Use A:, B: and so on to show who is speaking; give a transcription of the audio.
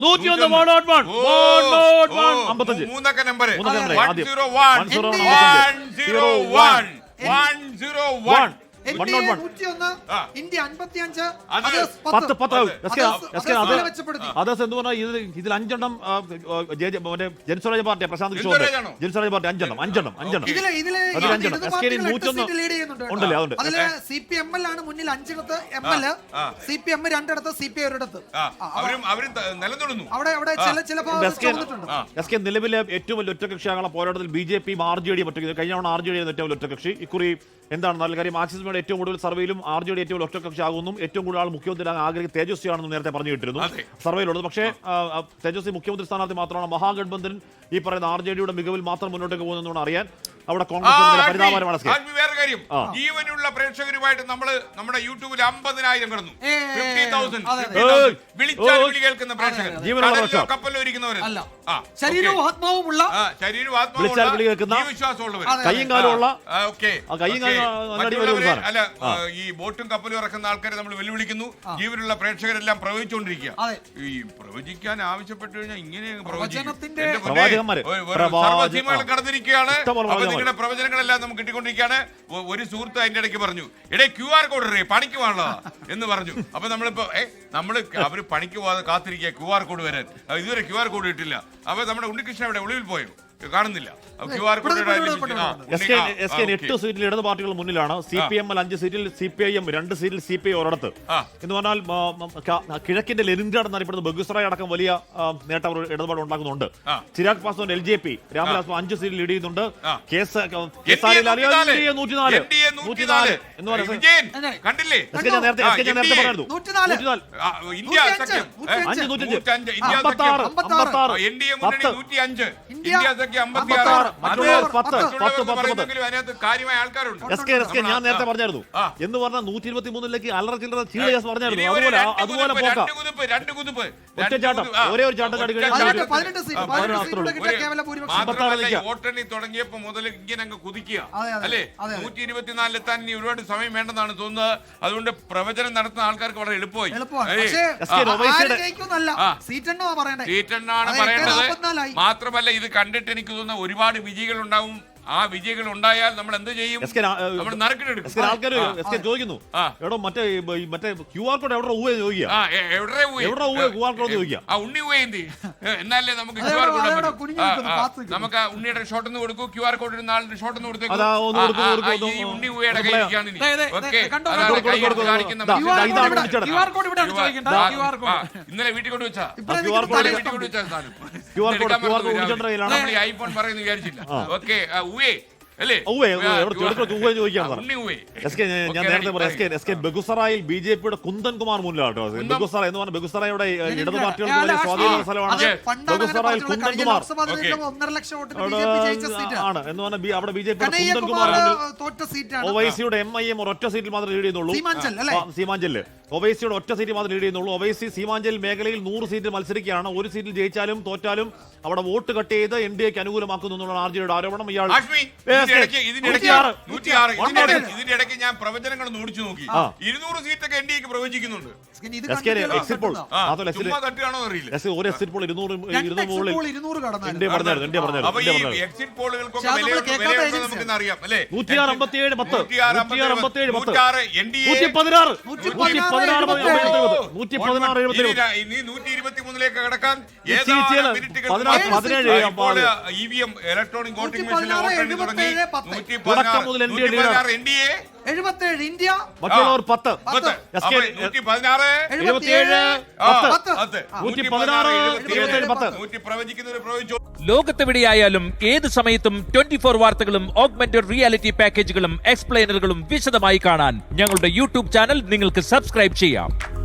A: മൂന്നക്ക number 101.
B: India 55,
C: others എന്ന് പറഞ്ഞാൽ ഇതിൽ 5 എണ്ണം ജനസ്വരാജ് പാർട്ടി പ്രശാന്ത് കിഷോർ ജനസ്വരാജ് പാർട്ടി 5 എണ്ണം ഉണ്ടല്ലേ. അതുകൊണ്ട്
B: CPML ആണ് മുന്നിൽ 5 ML, CPM 2 CPI 1
C: നിലവിലെ ഏറ്റവും വലിയ ഒറ്റകക്ഷിയാകുന്ന പോരാട്ടത്തിൽ BJP RJD കഴിഞ്ഞ തവണ RJD ഏറ്റവും വലിയ ഒറ്റകക്ഷി. ഇക്കുറി എന്താണ് നല്ല കാര്യം, മാർക്സിസ്റ്റ് ഏറ്റവും കൂടുതൽ സർവേയിലും RJD ഏറ്റവും വലിയ ഒറ്റകക്ഷി ആകുന്നു. ഏറ്റവും കൂടുതൽ ആൾ മുഖ്യമന്ത്രി ആഗ്രഹിക്കുന്ന തേജസ്വിയാണെന്ന് നേരത്തെ പറഞ്ഞു കിട്ടിയിരുന്നു സർവേയിലുള്ളത്. പക്ഷേ തേജസ്വി മുഖ്യമന്ത്രി സ്ഥാനാർത്ഥി മാത്രമാണ്. മഹാഗഠബന്ധൻ ഈ പറയുന്ന RJDയുടെ മികവിൽ മാത്രം മുന്നോട്ടേക്ക് പോകുന്നതെന്ന് അറിയാൻ അവിടെ കോൺഗ്രസ് പരിതാപകരമാണ്.
A: വേറെ കാര്യം, ജീവനുള്ള പ്രേക്ഷകരുമായിട്ട് നമ്മുടെ യൂട്യൂബിൽ 50,000 കടന്നു. 50,000 വിളിച്ചാൽ വിളി കേൾക്കുന്ന പ്രേക്ഷകർ, കപ്പലിരിക്കുന്നവരല്ല,
B: ശരീരവും ആത്മാവുമുള്ള
A: വിശ്വാസമുള്ളവർ,
C: കയ്യും കാലുമുള്ള
A: അല്ല ഈ ബോട്ടും കപ്പലും ഇറക്കുന്ന ആൾക്കാരെ നമ്മൾ വെല്ലുവിളിക്കുന്നു. ജീവനുള്ള പ്രേക്ഷകരെല്ലാം പ്രവചിച്ചുകൊണ്ടിരിക്കുക. ഈ പ്രവചിക്കാൻ ആവശ്യപ്പെട്ടു കഴിഞ്ഞാൽ ഇങ്ങനെ കടന്നിരിക്കുകയാണ്. നിങ്ങളുടെ പ്രവചനങ്ങളെല്ലാം നമുക്ക് കിട്ടിക്കൊണ്ടിരിക്കുകയാണ്. ഒരു സുഹൃത്ത് അതിന്റെ ഇടയ്ക്ക് പറഞ്ഞു, ഇടേ QR കോഡ് ഇടേ പണിക്ക് വേണല്ലോ എന്ന് പറഞ്ഞു. അപ്പൊ നമ്മളിപ്പോ അവര് പണിക്ക് പോകാതെ കാത്തിരിക്കുക QR കോഡ് വരാൻ. ഇതുവരെ QR കോഡ് കിട്ടില്ല. അപ്പൊ നമ്മുടെ ഉണ്ണികൃഷ്ണൻ ഇവിടെ ഒളിവിൽ പോയോ? കാണുന്നില്ല.
C: 8 സീറ്റിൽ ഇടത് പാർട്ടികൾ മുന്നിലാണ്. CPML 5 സീറ്റിൽ, CPIM 2 സീറ്റിൽ, CPI ഒരിടത്ത്. എന്ന് പറഞ്ഞാൽ കിഴക്കിന്റെ ലെനിൻഗ്രാഡ് എന്നറിയപ്പെടുന്ന ബെഗുസറായി അടക്കം വലിയ നേട്ടം അവർ ഇടപാട് ഉണ്ടാക്കുന്നുണ്ട്. ചിരാഗ് പാസ്വാൻ LJP രാംവിലാസ് 5 സീറ്റിൽ ലീഡ് ചെയ്യുന്നുണ്ട്. ഞാൻ നേരത്തെ പറഞ്ഞായിരുന്നു എന്ന് പറഞ്ഞാൽ 123ലേക്ക് അല്ലറ ചില്ലറ ചീള പറഞ്ഞായിരുന്നു. അതുപോലെ ഒറ്റച്ചാട്ടം, ഒരേ ഒരു ചാട്ടം ചാടി
A: വോട്ടെണ്ണി തുടങ്ങിയപ്പോ മുതൽ ഇങ്ങനെ അങ്ങ് കുതിക്കുക അല്ലേ. 124 ഇനി ഒരുപാട് സമയം വേണ്ടെന്നാണ് തോന്നുന്നത്. അതുകൊണ്ട് പ്രവചനം നടത്തുന്ന ആൾക്കാർക്ക് വളരെ എളുപ്പമായി. സീറ്റെണ്ണാണ് പറയേണ്ടത്. മാത്രമല്ല ഇത് കണ്ടിട്ട് എനിക്ക് തോന്നുന്ന ഒരുപാട് വിജയികൾ ഉണ്ടാവും. ആ വിജയികൾ ഉണ്ടായാൽ നമ്മൾ എന്ത് ചെയ്യും?
C: ആൾക്കാർ ചോദിക്കുന്നു, എടോ മറ്റേ QR കോഡ് എവിടെ
A: ഉണ്ണി എന്നാലേ നമുക്ക് നമുക്ക് ഉണ്ണിയുടെ ഷോട്ട് ഒന്ന് കൊടുക്കൂ. QR കോഡ് ഇടുന്ന ആളുടെ ഷോട്ട് ഒന്ന് കൊടുത്തേക്കും. ഉണ്ണി ഊയുടെ കയ്യിലാണ്. ഇന്നലെ വീട്ടിൽ കൊണ്ടുവച്ചാ ഐഫോൺ പറയുന്നു വിചാരിച്ചില്ല. ഓക്കെ
C: ഞാൻ നേരത്തെ പറയാം, ബെഗുസറായിൽ BJPയുടെ കുന്ദൻ കുമാർ മുന്നിലാണ്. ബെഗുസറ എന്ന് പറഞ്ഞാൽ ബെഗുസറയുടെ ഇടത് പാർട്ടികൾക്ക് വലിയ സ്വാധീനമുള്ള സ്ഥലമാണ്. ബെഗുസറായിൽ കുന്ദൻ കുമാർ ആണ് എന്ന് പറഞ്ഞാൽ അവിടെ BJPയുടെ കുന്ദൻ കുമാർ ഒവൈസിയുടെ MIM ഒറ്റ സീറ്റിൽ മാത്രമേ ലീഡ് ചെയ്യുന്നുള്ളൂ. സീമാഞ്ചലില് ഒവൈസിയുടെ ഒറ്റ സീറ്റ് മാത്രമേ ലീഡ് ചെയ്യുന്നുള്ളൂ. ഒവൈസി സീമാഞ്ചൽ മേഖലയിൽ 100 സീറ്റിൽ മത്സരിക്കുകയാണ്. ഒരു സീറ്റിൽ ജയിച്ചാലും തോറ്റാലും അവിടെ വോട്ട് കട്ട് ചെയ്ത് NDAക്ക് അനുകൂലമാക്കുന്നു എന്നുള്ള RJDയുടെ ആരോപണം. ഇയാൾ
A: ഇതിന്റെ ഇടയ്ക്ക് ഞാൻ പ്രവചനങ്ങൾ ഓടിച്ചു നോക്കി. 200 സീറ്റൊക്കെ NDAക്ക് പ്രവചിക്കുന്നുണ്ട്. എക്സിറ്റ് പോളുകൾക്കൊക്കെ അറിയാം അല്ലേ. 123ലേക്ക് കടക്കാൻ EVM ഇലക്ട്രോണിക് വോട്ടിംഗ് മെഷീനിലെ വോട്ടെണ്ണി തുടങ്ങി. 116 NDA,
B: 77 ഇന്ത്യ,
C: മറ്റുള്ളവർ 10,
A: 116,
C: 77,
D: ലോകത്തെവിടെയായാലും ഏത് സമയത്തും 24 വാർത്തകളും ഓഗ്മെന്റഡ് റിയാലിറ്റി പാക്കേജുകളും എക്സ്പ്ലെയിനറുകളും വിശദമായി കാണാൻ ഞങ്ങളുടെ യൂട്യൂബ് ചാനൽ നിങ്ങൾക്ക് സബ്സ്ക്രൈബ് ചെയ്യാം.